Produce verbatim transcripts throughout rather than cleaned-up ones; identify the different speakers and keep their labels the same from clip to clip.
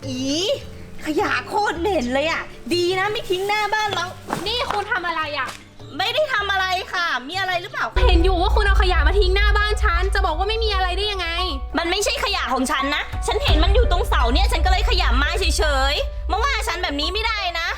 Speaker 1: อีขยะโคตรเหม็นเลยอ่ะดีนะไม่ทิ้งหน้าบ้านเรา
Speaker 2: นี่คุณทำอะไรอ่ะ
Speaker 1: ไม่ได้ทำอะไรค่ะมีอะไรหรือเปล่า
Speaker 2: เห็นอยู่ว่าคุณเอาขยะมาทิ้งหน้าบ้านฉันจะบอกว่าไม่มีอะไรได้ยังไง
Speaker 1: มันไม่ใช่ขยะของฉันนะฉันเห็นมันอยู่ตรงเสาเนี่ยฉันก็เลยขยำมาเฉยๆมาว่าฉันแบบนี้ไม่ได้นะ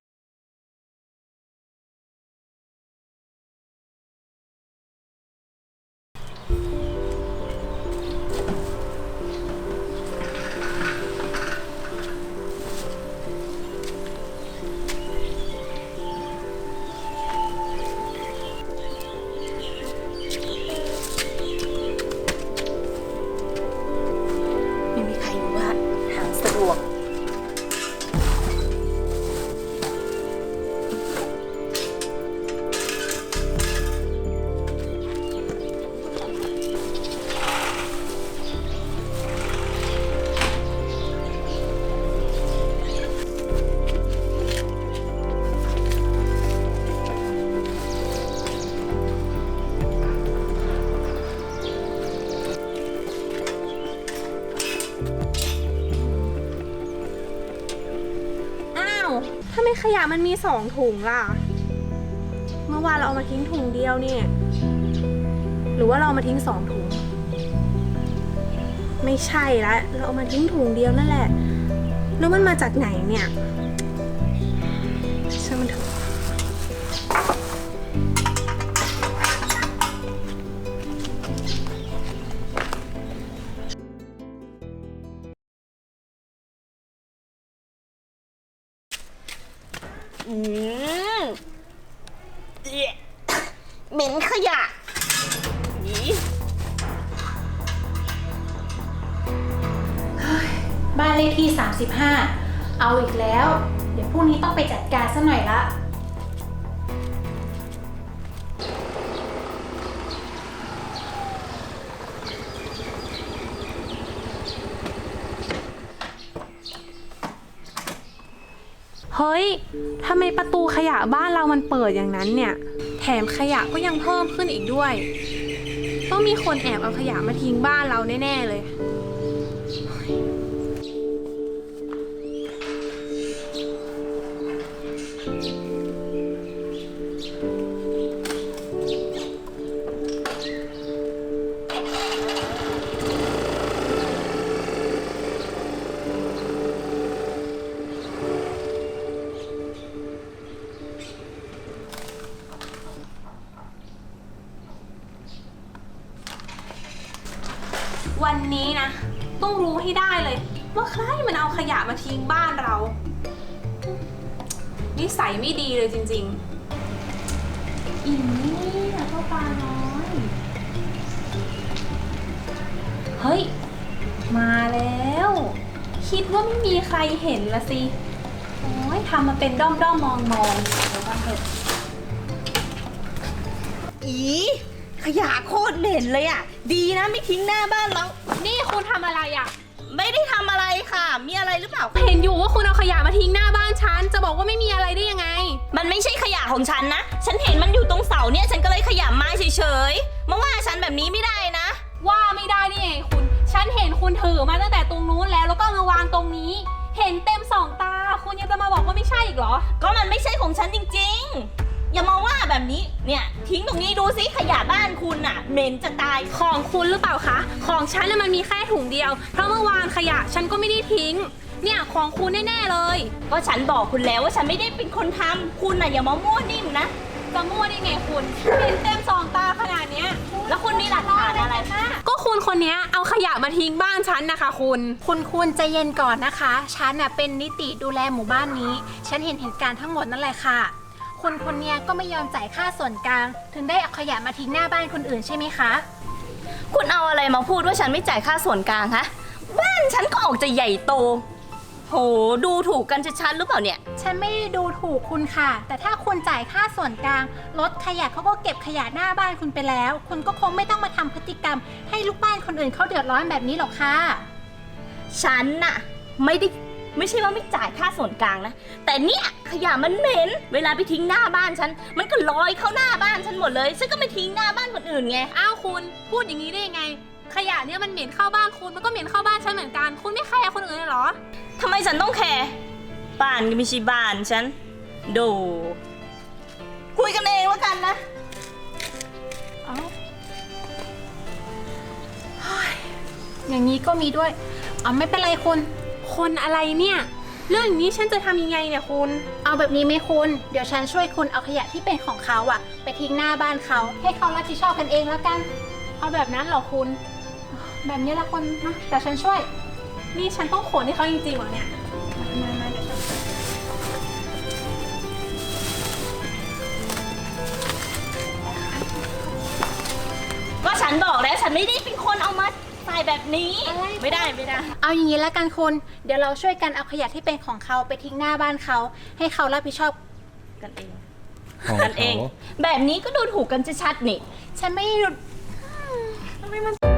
Speaker 2: ถ้าไม่ขยะมันมีสองถุงล่ะเมื่อวานเราเอามาทิ้งถุงเดียวเนี่ยหรือว่าเราเอามาทิ้งสองถุงไม่ใช่ละเราเอามาทิ้งถุงเดียวนั่นแหละแล้วมันมาจากไหนเนี่ยช่างมันเถอะ
Speaker 1: อืมเหม็นขยะ
Speaker 3: บ้านเลขที่สามสิบห้าเอาอีกแล้วเดี๋ยวพรุ่งนี้ต้องไปจัดการซะหน่อยละ
Speaker 2: เฮ้ยทำไมประตูขยะบ้านเรามันเปิดอย่างนั้นเนี่ยแถมขยะก็ยังเพิ่มขึ้นอีกด้วยต้องมีคนแอบเอาขยะมาทิ้งบ้านเราแน่ๆเลยวันนี้นะต้องรู้ให้ได้เลยว่าใครมันเอาขยะมาทิ้งบ้านเรานิสัยไม่ดีเลยจริงๆอีนี่นะพ่อปลาน้อยเฮ้ยมาแล้วคิดว่าไม่มีใครเห็นละสิโอ้ยทำมาเป็นด้อมด้อมมองมองเดี๋ยวกันเถอะ
Speaker 1: อีขยะโคตรเหม็นเลยอ่ะดีนะไม่ทิ้งหน้าบ้านเรา
Speaker 2: นี่คุณทำอะไรอ่ะ
Speaker 1: ไม่ได้ทำอะไรค่ะมีอะไรหรือเปล่า
Speaker 2: เห็นอยู่ว่าคุณเอาขยะมาทิ้งหน้าบ้านฉันจะบอกว่าไม่มีอะไรได้ยังไง
Speaker 1: มันไม่ใช่ขยะของฉันนะฉันเห็นมันอยู่ตรงเสาเนี่ยฉันก็เลยขยำมาเฉยๆมาว่าฉันแบบนี้ไม่ได้นะ
Speaker 2: ว่าไม่ได้ได้ไงคุณฉันเห็นคุณถือมาตั้งแต่ตรงนู้นแล้วแล้วก็มาวางตรงนี้เห็นเต็มสองตาคุณยังจะมาบอกว่าไม่ใช่อีกเหรอ
Speaker 1: ก็มันไม่ใช่ของฉันจริงๆอย่ามาว่าแบบนี้เนี่ยทิ้งตรงนี้ดูสิขยะบ้านคุณน่ะเหม็นจะตาย
Speaker 2: ของคุณหรือเปล่าคะของฉันน่ะมันมีแค่ถุงเดียวเพราะเมื่อวานขยะฉันก็ไม่ได้ทิ้งเนี่ยของคุณแน่ๆเลย
Speaker 1: ก็ฉันบอกคุณแล้วว่าฉันไม่ได้เป็นคนทำคุณน่ะอย่ามามั่วนิ่มนะ
Speaker 2: จะมั่วได้ไงคุณเห็นเต็มสองตาขนาดเนี้ย
Speaker 1: แล้วคุณมีหลักฐานอะไรคะ
Speaker 2: ก็คุณคนนี้เอาขยะมาทิ้งบ้านฉันนะคะคุณ
Speaker 3: คุณคุณใจเย็นก่อนนะคะฉันน่ะเป็นนิติดูแลหมู่บ้านนี้ฉันเห็นเหตุการณ์ทั้งหมดนั่นแหละค่ะคนคนนี้ก็ไม่ยอมจ่ายค่าส่วนกลางถึงได้เอาขยะมาทิ้งหน้าบ้านคนอื่นใช่ไหมคะ
Speaker 1: คุณเอาอะไรมาพูดว่าฉันไม่จ่ายค่าส่วนกลางคะบ้านฉันก็ออกจะใหญ่โตโหดูถูกกันชัดๆหรือเปล่าเนี่ย
Speaker 3: ฉันไม่ได้ดูถูกคุณค่ะแต่ถ้าคุณจ่ายค่าส่วนกลางรถขยะเขาก็เก็บขยะหน้าบ้านคุณไปแล้วคุณก็คงไม่ต้องมาทำพฤติกรรมให้ลูกบ้านคนอื่นเขาเดือดร้อนแบบนี้หรอกค่ะ
Speaker 1: ฉันน่ะไม่ได้ไม่ใช่ว่าไม่จ่ายค่าส่วนกลางนะแต่เนี่ยขยะมันเหม็นเวลาไปทิ้งหน้าบ้านฉันมันก็ลอยเข้าหน้าบ้านฉันหมดเลยฉันก็ไม่ทิ้งหน้าบ้านคนอื่นไง
Speaker 2: อ้าวคุณพูดอย่างนี้ได้ยังไงขยะเนี่ยมันเหม็นเข้าบ้านคุณ มันก็เหม็นเข้าบ้านฉันเหมือนกัน คุณไม่แคร์คนอื่นเลยเหรอ
Speaker 1: ทำไมฉันต้องแคร์บ้านก็ไม่ใช่บ้านฉันดูคุยกันเองแล้วกันนะ
Speaker 3: เอาเฮ้ยอย่างนี้ก็มีด้วยเอาไม่เป็นไรคุณ
Speaker 2: คนอะไรเนี่ย เรื่องอย่างนี้ฉันจะทำยังไงเนี่ยคุณ
Speaker 3: เอาแบบนี้ไหมคุณ เดี๋ยวฉันช่วยคุณเอาขยะที่เป็นของเขาอะไปทิ้งหน้าบ้านเขา ให้เขารับผิดชอบกันเองแล้วกัน
Speaker 2: เอาแบบนั้นเหรอคุณ
Speaker 3: แบบนี้ละคนนะแต่ฉันช่วย
Speaker 2: นี่ฉันต้องขนให้เขาจริงๆเหรอเนี่ย
Speaker 3: มามาเดี๋ยวฉัน
Speaker 1: ก็ฉันบอกแล้วฉันไม่ได้เป็นคนเอามาใส่แบบนี้ ไม่ได้ไม่ได้
Speaker 3: เอาอย่างนี้แล้วกันคุณ เดี๋ยวเราช่วยกันเอาขยะที่เป็นของเขาไปทิ้งหน้าบ้านเขา ให้เขารับผิดชอบ
Speaker 1: กันเอง
Speaker 4: ของ
Speaker 1: กันเอง
Speaker 4: เขา
Speaker 1: แบบนี้ก็ดูถูกกันชัดๆนี่
Speaker 3: ฉันไม่ได้
Speaker 2: ทำไมมัน